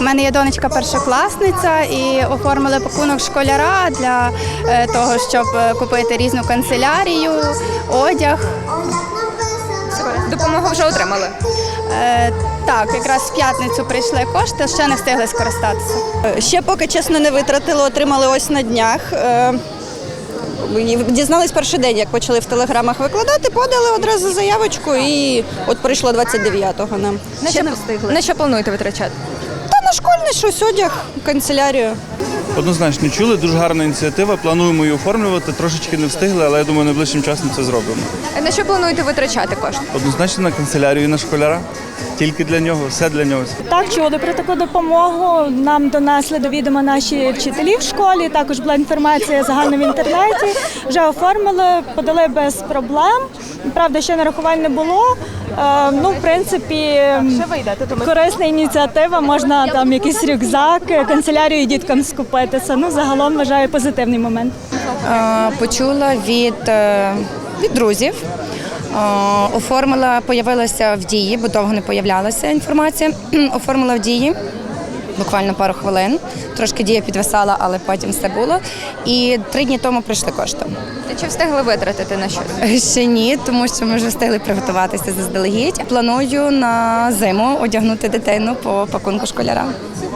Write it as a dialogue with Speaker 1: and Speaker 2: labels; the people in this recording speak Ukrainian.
Speaker 1: мене є донечка першокласниця і оформили пакунок школяра для того, щоб купити різну канцелярію, одяг.
Speaker 2: Допомогу вже отримали?
Speaker 1: Так, якраз в п'ятницю прийшли кошти, ще не встигли скористатися.
Speaker 3: Ще поки, чесно, не витратили, отримали ось на днях. Дізнались перший день, як почали в телеграмах викладати, подали одразу заявочку і от прийшло 29-го нам.
Speaker 2: На що плануєте витрачати?
Speaker 3: Та на школьний щось, одяг, канцелярію.
Speaker 4: Однозначно чули, дуже гарна ініціатива, плануємо її оформлювати, трошечки не встигли, але я думаю, найближчим часом це зробимо.
Speaker 2: На що плануєте витрачати кошти?
Speaker 4: Однозначно на канцелярію і на школяра, тільки для нього, все для нього.
Speaker 5: Так, чули про таку допомогу. Нам донесли до відома наші вчителі в школі, також була інформація загальна в інтернеті. Вже оформили, подали без проблем. Правда, ще нарахувань не було. В принципі, корисна ініціатива, можна там якийсь рюкзак, канцелярію діткам скупитися. Загалом вважаю позитивний момент.
Speaker 6: Почула від друзів. Оформила, появилася в Дії, бо довго не появлялася інформація. Оформила в Дії, буквально пару хвилин. Трошки Дія підвисала, але потім все було. І 3 дні тому прийшли кошти.
Speaker 2: Чи встигли витратити на щось?
Speaker 6: Ще ні, тому що ми вже встигли приготуватися заздалегідь. Планую на зиму одягнути дитину по пакунку школяра.